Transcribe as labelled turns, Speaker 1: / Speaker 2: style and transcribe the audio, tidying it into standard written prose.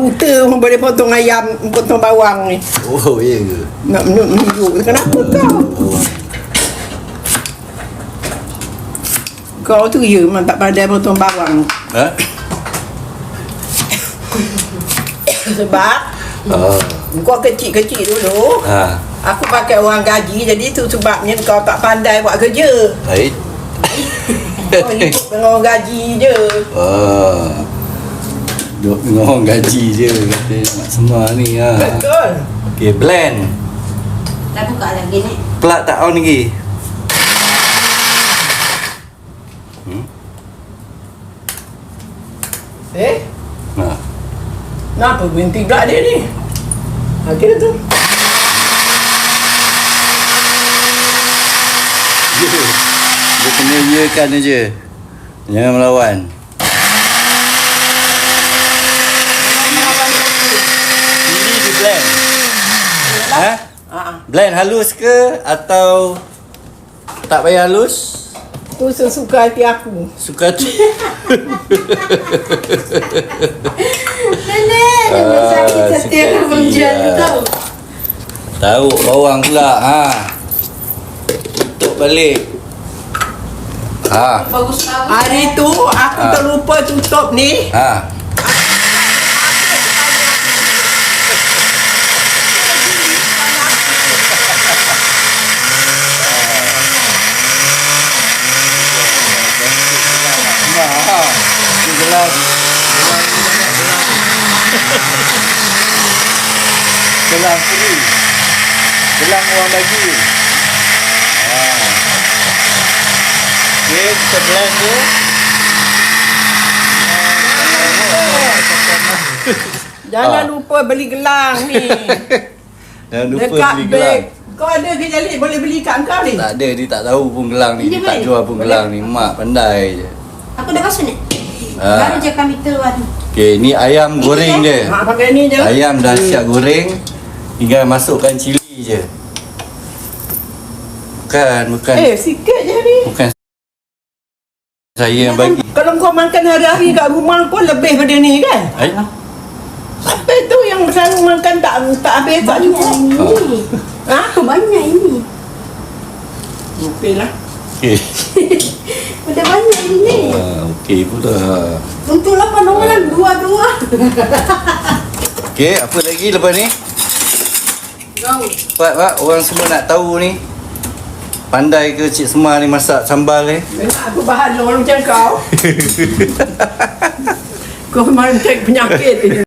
Speaker 1: buta boleh potong ayam, potong bawang ni.
Speaker 2: Oh, iya ke?
Speaker 1: Nak menunjuk. Kenapa kau? Kau tu ya memang tak pandai potong bawang.
Speaker 2: Ha?
Speaker 1: Sebab kau kecil-kecil dulu.
Speaker 2: Ha.
Speaker 1: Aku pakai orang gaji, jadi tu sebabnya kau tak pandai buat kerja.
Speaker 2: Baik.
Speaker 1: Kau hidup dengan orang gaji je.
Speaker 2: Duduk dengan orang gaji je kata mak semua ni ha.
Speaker 1: Betul.
Speaker 2: Okey, blend.
Speaker 3: Dah buka lagi ni.
Speaker 2: Plug tak on lagi. Ha.
Speaker 1: Kenapa berhenti pula dia ni? Akhirnya tu.
Speaker 2: Dia kena iakan aja. Jangan melawan. Pilih di blend. Ha? Blend halus ke atau tak payah halus?
Speaker 1: Tu sesuka hati aku.
Speaker 2: Suka tu.
Speaker 3: Nenek, dia sakit setiap penjual kau.
Speaker 2: Tahu bawang pula ha. Tutup balik. Ha.
Speaker 3: Bagus tahu.
Speaker 1: Hari tu aku terlupa tutup ni.
Speaker 2: Ha. Gelang free. Gelang orang bagi. Okay, kita blend tu.
Speaker 1: Jangan lupa beli gelang ni.
Speaker 2: Jangan lupa
Speaker 1: Dekat
Speaker 2: beli
Speaker 1: beg.
Speaker 2: gelang.
Speaker 1: Kau ada ke Jalil boleh beli kat kau ni?
Speaker 2: Tak ada, dia tak tahu pun gelang ni. Dia
Speaker 3: Dia
Speaker 2: tak
Speaker 3: boleh?
Speaker 2: jual pun gelang ni. Mak pandai je.
Speaker 3: Aku dah rasa ni.
Speaker 2: Ha.
Speaker 3: Baru je kami keluar.
Speaker 2: Okay, ni ayam goreng je.
Speaker 1: Mak pakai ni je.
Speaker 2: Ayam dah siap goreng. Tinggal masukkan cili je. Bukan.
Speaker 1: Sikit je ni.
Speaker 2: Bukan saya yang bagi.
Speaker 1: Kalau kau makan hari-hari kat rumah pun lebih pada ni kan?
Speaker 2: Ay?
Speaker 1: Sampai tu yang selalu makan tak habis tak
Speaker 3: Banyak
Speaker 1: cukup.
Speaker 3: ini.
Speaker 1: Ha?
Speaker 3: Banyak ini.
Speaker 1: Okey lah.
Speaker 2: Okay.
Speaker 3: Udah banyak ini.
Speaker 2: Okay pula.
Speaker 3: Untuk 8 orang, dua-dua.
Speaker 2: Okay, apa lagi lepas ni?
Speaker 3: Kau.
Speaker 2: Pak, orang semua nak tahu ni. Pandai ke Cik Semar ni masak sambal ni?
Speaker 1: Memang aku bahan orang macam kau. Kau memang cek penyakit ni.